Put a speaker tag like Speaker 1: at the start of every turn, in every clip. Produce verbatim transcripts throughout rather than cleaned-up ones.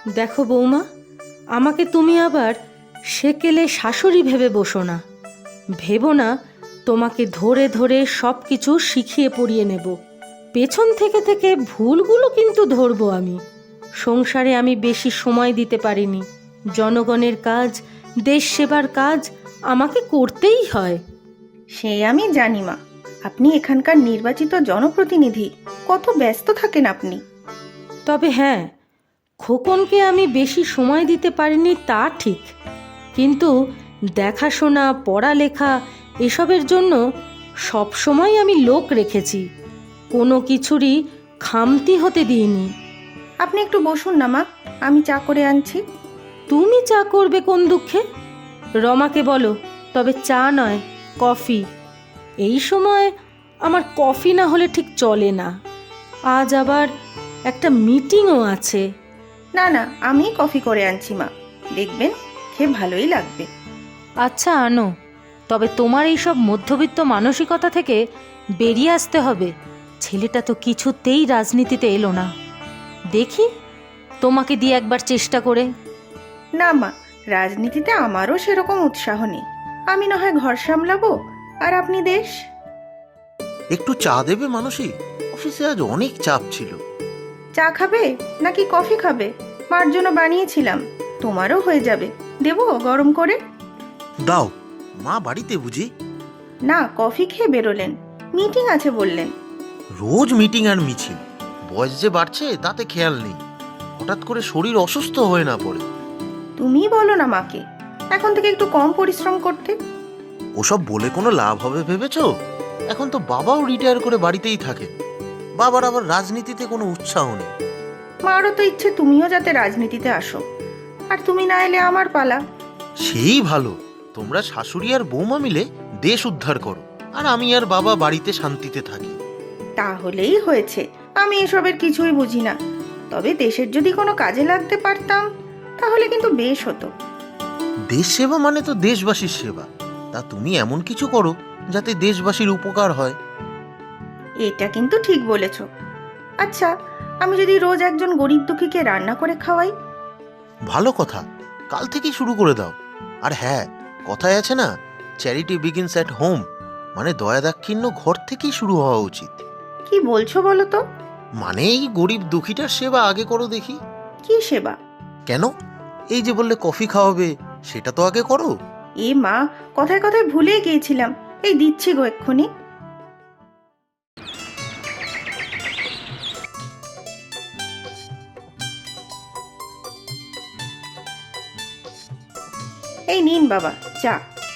Speaker 1: দেখো বৌমা, আমাকে তুমি আবার সেকেলে শাশুড়ি ভেবে বসো না। ভেবো না তোমাকে ধরে ধরে সব কিছু শিখিয়ে পড়িয়ে নেব। পেছন থেকে থেকে ভুলগুলো কিন্তু ধরবো আমি। সংসারে আমি বেশি সময় দিতে পারিনি। জনগণের কাজ, দেশ সেবার কাজ আমাকে করতেই হয়।
Speaker 2: সে আমি জানি মা, আপনি এখানকার নির্বাচিত জনপ্রতিনিধি, কত ব্যস্ত থাকেন আপনি।
Speaker 1: তবে হ্যাঁ, খোকনকে আমি বেশি সময় দিতে পারিনি তা ঠিক, কিন্তু দেখাশোনা, পড়ালেখা এসবের জন্য সব সময় আমি লোক রেখেছি। কোনো কিছুরই খামতি হতে দিইনি।
Speaker 2: আপনি একটু বসুন না মা, আমি চা করে আনছি।
Speaker 1: তুমি চা করবে কোন দুঃখে? রমাকে বলো, তবে চা নয়, কফি। এই সময় আমার কফি না হলে ঠিক চলে না। আজ আবার একটা মিটিংও আছে।
Speaker 2: না না, আমি কফি করে আনছি মা, দেখবেন খেয়ে ভালোই লাগবে।
Speaker 1: আচ্ছা আনো, তবে তোমার এইসব মধ্যবিত্ত মানসিকতা থেকে বেরিয়ে আসতে হবে। ছেলেটা তো কিছুতেই রাজনীতিতে এলো না। দেখি তোমাকে দিয়ে একবার চেষ্টা করে।
Speaker 2: না মা, রাজনীতিতে আমারও সেরকম উৎসাহ নেই। আমি না হয় ঘর সামলাবো, আর আপনি দেশ।
Speaker 3: একটু চা দেবে মানসী? অফিসে আজ অনেক চাপ ছিল।
Speaker 2: চা খাবে নাকি কফি খাবে? মার জন্য বানিয়েছিলাম, তোমারও হয়ে যাবে। দেবো গরম করে?
Speaker 3: দাও। মা বাড়িতে বুঝি?
Speaker 2: না, কফি খেয়ে বেরোলেন, মিটিং আছে বললেন।
Speaker 3: রোজ মিটিং আর মিছিল। বয়স যে বাড়ছে তাতে খেয়াল নেই। হঠাৎ করে শরীর অসুস্থ হয়ে না পড়ে।
Speaker 2: তুমি বলো না মাকে এখন থেকে একটু কম পরিশ্রম করতে।
Speaker 3: ওসব বলে কোনো লাভ হবে ভেবেছো? এখন তো বাবাও রিটায়ার করে বাড়িতেই থাকে। বাবার আবার রাজনীতিতে কোনো উৎসাহ নেই।
Speaker 2: মারও তো ইচ্ছে তুমিও যাতে রাজনীতিতে আসো, আর তুমি না এলে আমার পালা।
Speaker 3: সেই ভালো, তোমরা শাশুড়ি আর বৌমা মিলে দেশ উদ্ধার করো, আর আমি আর বাবা বাড়িতে শান্তিতে থাকি।
Speaker 2: তাহলেই হয়েছে। আমি এসবের কিছুই বুঝি না, তবে দেশের যদি কোনো কাজে লাগতে পারতাম তাহলে কিন্তু বেশ হতো।
Speaker 3: দেশ সেবা মানে তো দেশবাসীর সেবা। তা তুমি এমন কিছু করো যাতে দেশবাসীর উপকার হয়।
Speaker 2: এটা কিন্তু ঠিক বলেছ। আচ্ছা, আমি যদি রোজ একজন গরিব দুঃখীকে রান্না করে খাওয়াই?
Speaker 3: ভালো কথা, কাল থেকেই শুরু করে দাও। আর হ্যাঁ, কথায় আছে না, চ্যারিটি বিগিনস অ্যাট হোম, মানে দয়া দাক্ষিণ্য ঘর থেকেই শুরু হওয়া উচিত।
Speaker 2: কি বলছো বলো তো?
Speaker 3: মানে এই গরিব দুঃখীটার সেবা আগে করো দেখি।
Speaker 2: কি সেবা?
Speaker 3: কেন? এই যে বললে কফি খাওয়াবে, সেটা তো আগে করো।
Speaker 2: এ মা, কথায় কথায় ভুলে গিয়েছিলাম। এই দিচ্ছি গো এক্ষুনি। এই নিন বাবা চা।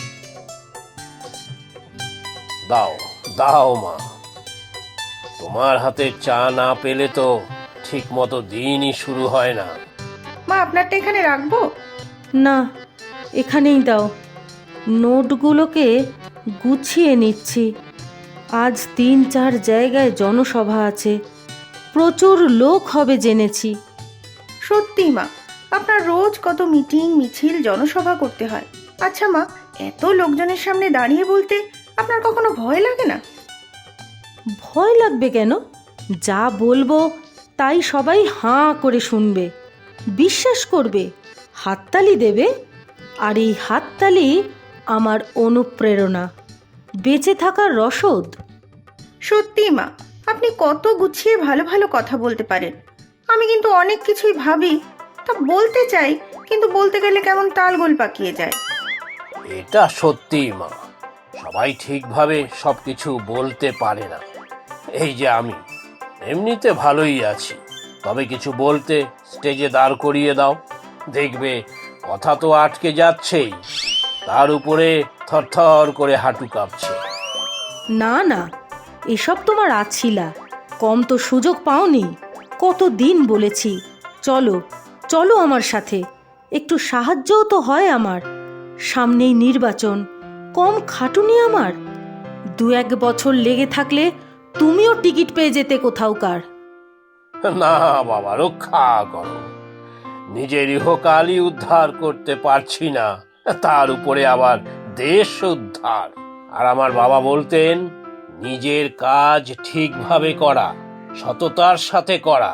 Speaker 4: দাও দাও মা, তোমার হাতের চা না পেলে তো ঠিক মতো দিনই শুরু হয় না।
Speaker 2: মা, আপনারটা এখানে রাখবো?
Speaker 1: না, এখানেই দাও। নোটগুলোকে গুছিয়ে নিচ্ছি। আজ তিন চার জায়গায় জনসভা আছে, প্রচুর লোক হবে জেনেছি।
Speaker 2: সত্যি মা, আপনার রোজ কত মিটিং, মিছিল, জনসভা করতে হয়। আচ্ছা মা, এত লোকজনের সামনে দাঁড়িয়ে বলতে আপনার কখনো ভয় লাগে না?
Speaker 1: ভয় লাগবে কেন? যা বলবো তাই সবাই হাঁ করে শুনবে, বিশ্বাস করবে, হাততালি দেবে। আর এই হাততালি আমার অনুপ্রেরণা, বেঁচে থাকার রসদ।
Speaker 2: সত্যি মা, আপনি কত গুছিয়ে ভালো ভালো কথা বলতে পারেন। আমি কিন্তু অনেক কিছুই ভাবি, তা বলতে চাই, কিন্তু বলতে গেলে কেমন তালগোল পাকিয়ে যায়।
Speaker 4: এটা সত্যি মা, সবাই ঠিকভাবে সবকিছু বলতে পারে না। এই যে আমি এমনিতে ভালোই আছি, তবে কিছু বলতে স্টেজে দাঁড় করিয়ে দাও, দেখবে কথা তো আটকে যাচ্ছেই, তার উপরে থরথর করে হাঁটু কাঁপছে।
Speaker 1: না না, এসব তোমার আছিলা, কম তো সুযোগ পাওনি। কত দিন বলেছি, চলো চলো আমার সাথে, একটু সাহায্যও তো হয় আমার। সামনেই নির্বাচন, কম খাটুনি আমার। দু এক বছর লেগে থাকলে তুমিও টিকিট পেয়ে যেতে কোথাওকার।
Speaker 4: না বাবা, রক্ষা করো, নিজের ইহকালই উদ্ধার করতে পারছি না, তার উপরে আবার দেশ উদ্ধার। আর আমার বাবা বলতেন, নিজের কাজ ঠিকভাবে করা, সততার সাথে করা,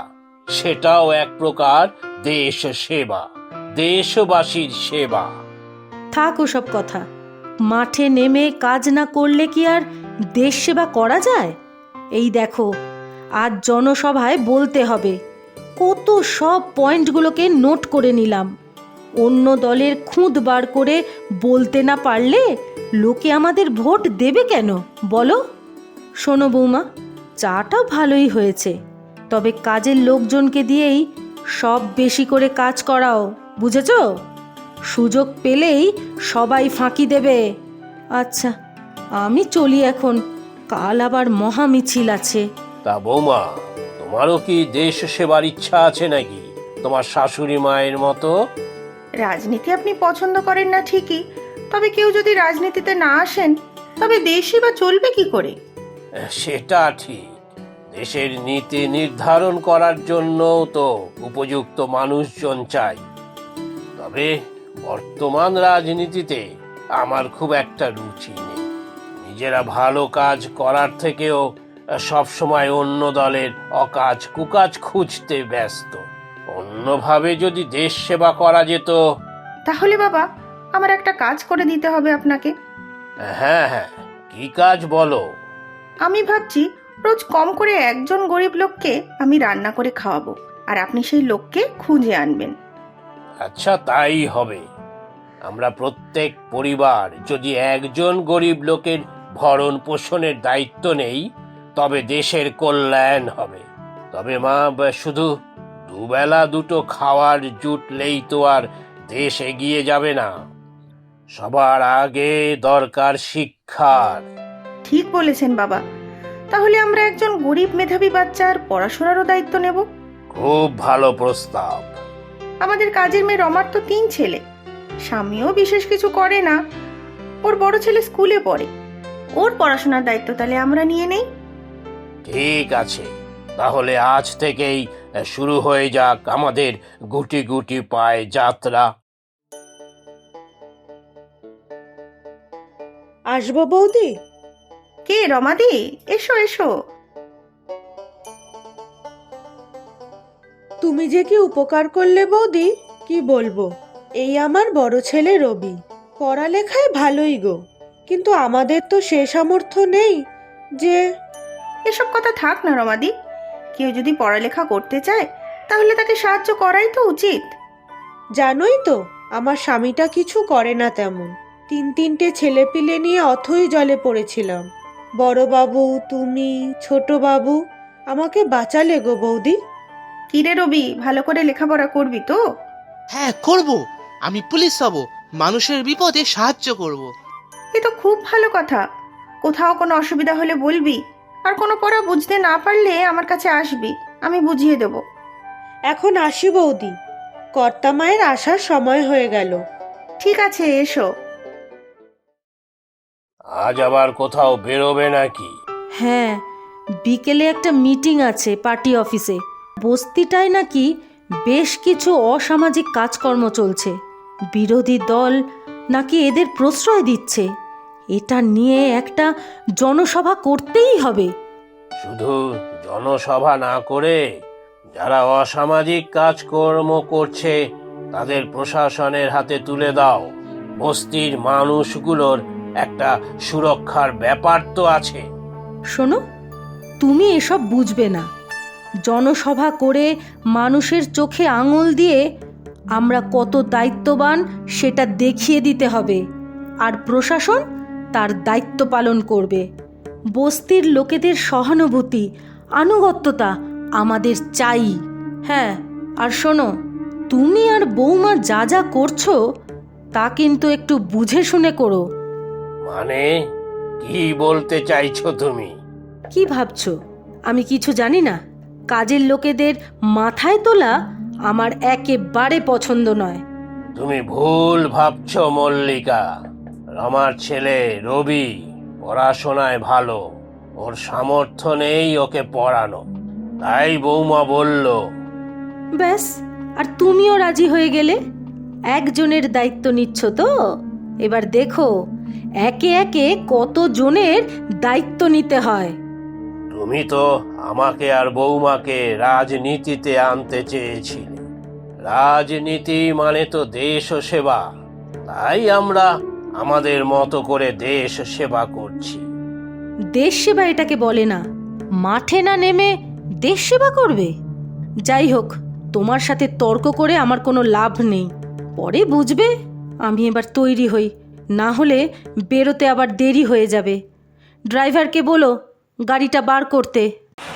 Speaker 4: সেটাও এক প্রকার দেশ সেবা, দেশবাসীর সেবা।
Speaker 1: থাক ওসব কথা। মাঠে নেমে কাজ না করলে কি আর দেশ সেবা করা যায়? এই দেখো, আজ জনসভায় বলতে হবে। কত সব পয়েন্টগুলোকে নোট করে নিলাম। অন্য দলের খুঁত বার করে বলতে না পারলে লোকে আমাদের ভোট দেবে কেন বলো? শোনো বৌমা, চাটা ভালোই হয়েছে, তবে কাজের লোকজনকে দিয়েই সব বেশি করে কাজ করাও, বুঝেছো? সুযোগ পেলেই সবাই ফাঁকি দেবে। আচ্ছা, আমি চলি এখন, কাল আবার মহা মিছিল আছে।
Speaker 4: তা বৌমা, তোমারও কি দেশ সেবার ইচ্ছা আছে নাকি, তোমার শাশুড়ি মায়ের মতো?
Speaker 2: রাজনীতি আপনি পছন্দ করেন না ঠিকই, তবে কেউ যদি রাজনীতিতে না আসেন তবে দেশই বা চলবে কি করে?
Speaker 4: সেটা ঠিক। দেশের নীতি নির্ধারণ করার জন্য তো উপযুক্ত মানুষজন চাই। তবে বর্তমান রাজনীতিতে আমার খুব একটা রুচি নেই। নিজেরা ভালো কাজ করার থেকেও সবসময় অন্য দলের অকাজ কুকাজ খুঁজতে ব্যস্ত। অন্যভাবে যদি দেশ সেবা করা যেত।
Speaker 2: তাহলে বাবা, আমার একটা কাজ করে দিতে হবে আপনাকে।
Speaker 4: হ্যাঁ হ্যাঁ, কি কাজ বলো?
Speaker 2: আমি ভাবছি রোজ কম করে একজন গরিব লোককে আমি রান্না করে খাওয়াবো, আর আপনি সেই লোককে খুঁজে আনবেন।
Speaker 4: আচ্ছা, তাই হবে। আমরা প্রত্যেক পরিবার যদি একজন গরিব লোকের ভরণ পোষণের দায়িত্ব নেই, তবে দেশের কল্যাণ হবে। তবে মা, শুধু দুবেলা দুটো খাওয়ার জুটলেই তো আর দেশ এগিয়ে যাবে না। সবার আগে দরকার শিক্ষার।
Speaker 2: ঠিক বলেছেন বাবা। তাহলে আমরা একজন গরিব মেধাবী বাচ্চার পড়াশোনারও দায়িত্ব নেব।
Speaker 4: খুব ভালো প্রস্তাব।
Speaker 2: আমাদের কাজের মেয়ে রমার তো তিন ছেলে, স্বামীও বিশেষ কিছু করে না। ওর বড় ছেলে স্কুলে পড়ে, ওর পড়াশোনার দায়িত্ব তাহলে আমরা নিয়ে নেই।
Speaker 4: ঠিক আছে, তাহলে আজ থেকেই শুরু হয়ে যাক আমাদের গুটি গুটি পায়ে যাত্রা।
Speaker 5: আসবো বৌদি?
Speaker 2: কে রমাদি? এসো এসো।
Speaker 5: তুমি যে কি উপকার করলে বৌদি, কি বলবো। এই আমার বড় ছেলে রবি, পড়ালেখায় ভালোই গো, কিন্তু আমাদের তো সে সামর্থ্য নেই যে।
Speaker 2: এসব কথা থাক না রমাদি, কেউ যদি পড়ালেখা করতে চায় তাহলে তাকে সাহায্য করাই তো উচিত।
Speaker 5: জানোই তো আমার স্বামীটা কিছু করে না তেমন। তিন তিনটে ছেলেপিলে নিয়ে অথই জলে পড়েছিলাম। বড় বাবু, তুমি, ছোট বাবু আমাকে বাঁচালে গো বৌদি।
Speaker 2: কিরে রবি, ভালো করে লেখাপড়া করবি তো?
Speaker 6: হ্যাঁ করব, আমি পুলিশ হব, মানুষের বিপদে সাহায্য করব।
Speaker 2: এ তো খুব ভালো কথা। কোথাও কোনো অসুবিধা হলে বলবি, আর কোনো পড়া বুঝতে না পারলে আমার কাছে আসবি, আমি বুঝিয়ে দেব।
Speaker 5: এখন আসি বৌদি, কর্তা মায়ের আসার সময় হয়ে গেল।
Speaker 2: ঠিক আছে, এসো।
Speaker 4: আজ আবার কোথাও বেরোবে নাকি?
Speaker 1: হ্যাঁ, বিকেলে একটা মিটিং আছে পার্টি অফিসে। বস্তিটায় নাকি বেশ কিছু অসামাজিক কাজকর্ম চলছে। বিরোধী দল নাকি এদের প্রশ্রয় দিচ্ছে। এটা নিয়ে একটা জনসভা করতেই হবে।
Speaker 4: শুধু জনসভা না করে যারা অসামাজিক কাজকর্ম করছে তাদের প্রশাসনের হাতে তুলে দাও। বস্তির মানুষগুলোর একটা সুরক্ষার ব্যাপার তো আছে।
Speaker 1: শোনো, তুমি এসব বুঝবে না। জনসভা করে মানুষের চোখে আঙুল দিয়ে আমরা কত দায়িত্ববান সেটা দেখিয়ে দিতে হবে, আর প্রশাসন তার দায়িত্ব পালন করবে। বস্তির লোকেদের সহানুভূতি, আনুগত্যতা আমাদের চাই। হ্যাঁ, আর শোনো, তুমি আর বৌমা যা যা করছো তা কিন্তু একটু বুঝে শুনে করো।
Speaker 4: মানে কি বলতে চাইছো তুমি?
Speaker 1: কি ভাবছো আমি কিছু জানি না? কাজের লোকেদের মাথায় তোলা আমার একেবারে পছন্দ নয়।
Speaker 4: তুমি ভুল ভাবছো মল্লিকা। রমার ছেলে রবি পড়াশোনায় ভালো, ওর সামর্থ্য নেই ওকে পড়ানো, তাই বৌমা বলল।
Speaker 1: ব্যাস, আর তুমিও রাজি হয়ে গেলে। একজনের দায়িত্ব নিচ্ছ তো, এবার দেখো একে একে কত জনের দায়িত্ব নিতে হয়।
Speaker 4: তুমি তো আমাকে আর বৌমাকে রাজনীতিতে আনতে চেয়েছিলে। রাজনীতি মানে তো দেশ সেবা, তাই আমরা আমাদের মতো করে দেশ সেবা করছি।
Speaker 1: দেশ সেবা এটাকে বলে না। মাঠে না নেমে দেশ সেবা করবে? যাই হোক, তোমার সাথে তর্ক করে আমার কোনো লাভ নেই। পরে বুঝবে। আমি এবার তৈরি হই, না হলে বেরোতে আবার দেরি হয়ে যাবে। ড্রাইভারকে বলো গাড়িটা বার করতে।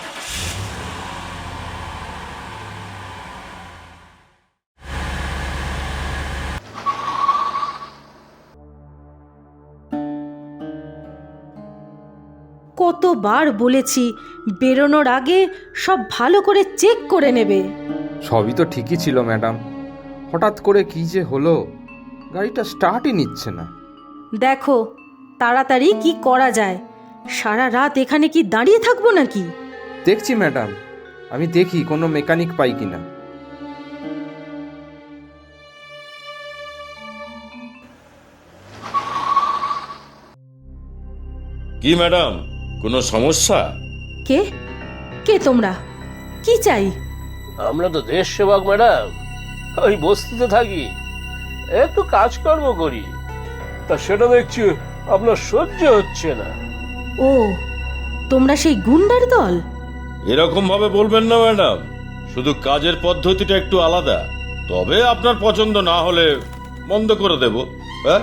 Speaker 1: কতবার বলেছি বেরোনোর আগে সব ভালো করে চেক করে নেবে।
Speaker 7: সবই তো ঠিকই ছিল ম্যাডাম, হঠাৎ করে কি যে হলো, গাড়িটা স্টার্টই নিচ্ছে না।
Speaker 1: দেখো তাড়াতাড়ি কি করা যায়। সারা রাত এখানে কি দাঁড়িয়ে থাকবো নাকি?
Speaker 7: দেখছি ম্যাডাম, আমি দেখি কোনো মেকানিক পাই কিনা।
Speaker 8: কি ম্যাডাম, কোনো সমস্যা?
Speaker 1: কে কে তোমরা? কি চাই?
Speaker 4: আমরা তো দেশ সেবক ম্যাডাম, ওই বস্তিতে থাকি, একটু কাজকর্ম করি, তা সেটা দেখছি আপনার সহ্য হচ্ছে না।
Speaker 1: ও, তোমরা সেই গুন্ডার দল?
Speaker 8: এরকম ভাবে বলবেন না ম্যাডাম, শুধু কাজের পদ্ধতিটা একটু আলাদা। তবে আপনার পছন্দ না হলে বন্ধ করে দেব। হ্যাঁ,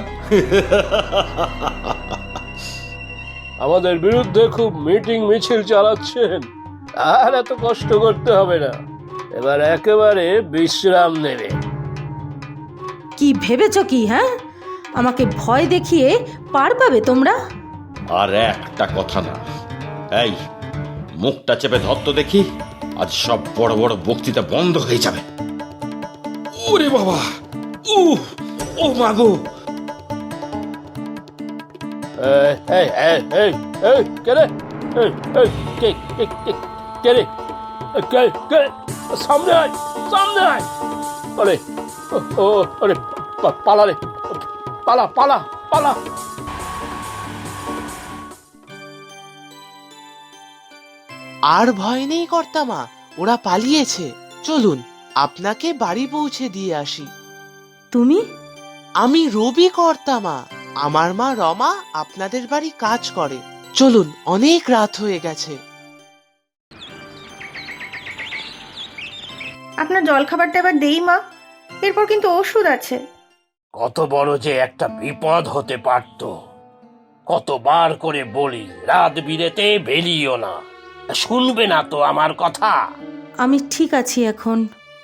Speaker 4: আমাদের বিরুদ্ধে খুব মিটিং মিছিল চালাচ্ছেন, আর এত কষ্ট করতে হবে না, এবার একেবারে বিশ্রাম নেবে।
Speaker 1: কি ভেবেছ কি? হ্যাঁ, আমাকে ভয় দেখিয়ে পার পাবে তোমরা?
Speaker 8: আর একটা কথা না। এই মুখটা চেপে ধরতো দেখি, আজ সব বড় বড় বক্তৃতা বন্ধ হয়ে যাবে। ওরে বাবা, উ ও মাগো!
Speaker 4: এই, এই, এই, এই, এই, কে রে? এই, এই, কে, কে, কে, কে রে? এই, কে, কে? সামনে আয়, সামনে আয়! আরে, ও, ও, আরে, পা- পালা রে, পালা, পালা, পালা!
Speaker 6: আর ভয় নেই কর্তামা, ওরা পালিয়েছে। চলুন আপনাকে বাড়ি পৌঁছে দিয়ে আসি।
Speaker 1: তুমি?
Speaker 6: আমি রবি কর্তামা, আমার মা রমা আপনাদের বাড়ি কাজ করে। চলুন, অনেক রাত হয়ে গেছে।
Speaker 2: আপনার জলখাবারটা এবার দেই মা, এরপর কিন্তু ওষুধ আছে।
Speaker 4: কত বড় যে একটা বিপদ হতে পারত। কতবার করে বলি রাত বিরেতে বেরিও না, শুনবে না তো আমার কথা।
Speaker 1: আমি ঠিক আছি এখন।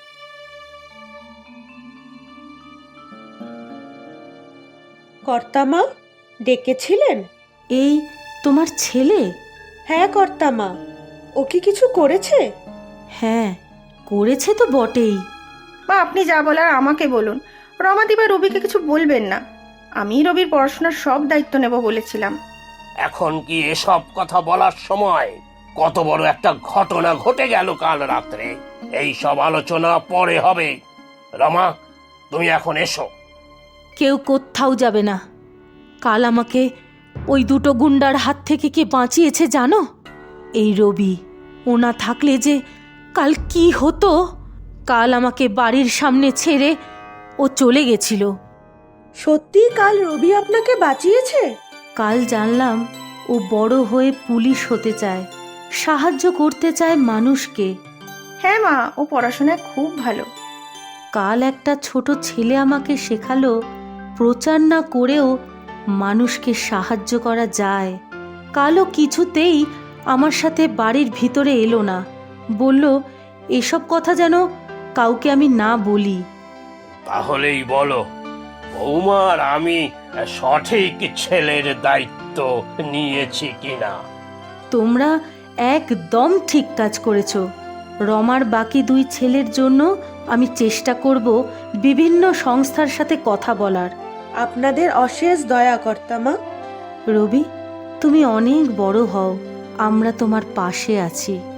Speaker 5: কর্তামা, ডেকেছিলেন?
Speaker 1: এই তোমার ছেলে?
Speaker 5: হ্যাঁ কর্তামা, ও কি কিছু করেছে?
Speaker 1: হ্যাঁ, করেছে তো বটেই।
Speaker 2: মা, আপনি যা বলার আমাকে বলুন। রমাদি বা রবিকে কিছু বলবেন না। আমি রবির পড়াশোনার সব দায়িত্ব নেব বলেছিলাম।
Speaker 4: এখন কি এসব কথা বলার সময়? কত বড় একটা ঘটনা ঘটে গেল কাল রাত্রে, এই সব আলোচনা পরে হবে। রমা, তুমি এখন এসো।
Speaker 1: কেউ কোথাও যাবে না। কাল আমাকে ওই দুটো গুন্ডার হাত থেকে কে বাঁচিয়েছে জানো? এই রবি। ও না থাকলে যে কাল কি হতো। কাল আমাকে বাড়ির সামনে ছেড়ে ও চলে গেছিল।
Speaker 5: সত্যি কাল রবি আপনাকে বাঁচিয়েছে?
Speaker 1: কাল জানলাম ও বড় হয়ে পুলিশ হতে চায়, সাহায্য করতে চায় মানুষকে।
Speaker 2: হ্যাঁ মা, ও পড়াশোনায় খুব ভালো।
Speaker 1: কাল একটা ছোট ছেলে আমাকে শেখালো প্রচার না করেও মানুষকে সাহায্য করা যায়। কালও কিছুতেই আমার সাথে বাড়ির ভিতরে এলো না, বলল এসব কথা যেন কাউকে আমি না বলি।
Speaker 4: তাহলেই বলো, বৌমার আমি সঠিক ছেলের দায়িত্ব নিয়েছি কিনা?
Speaker 1: তোমরা একদম ঠিক কাজ করেছো। রমার বাকি দুই ছেলের জন্য আমি চেষ্টা করব বিভিন্ন সংস্থার সাথে কথা বলার।
Speaker 5: আপনাদের অশেষ দয়া কর্তামা।
Speaker 1: রবি, তুমি অনেক বড় হও, আমরা তোমার পাশে আছি।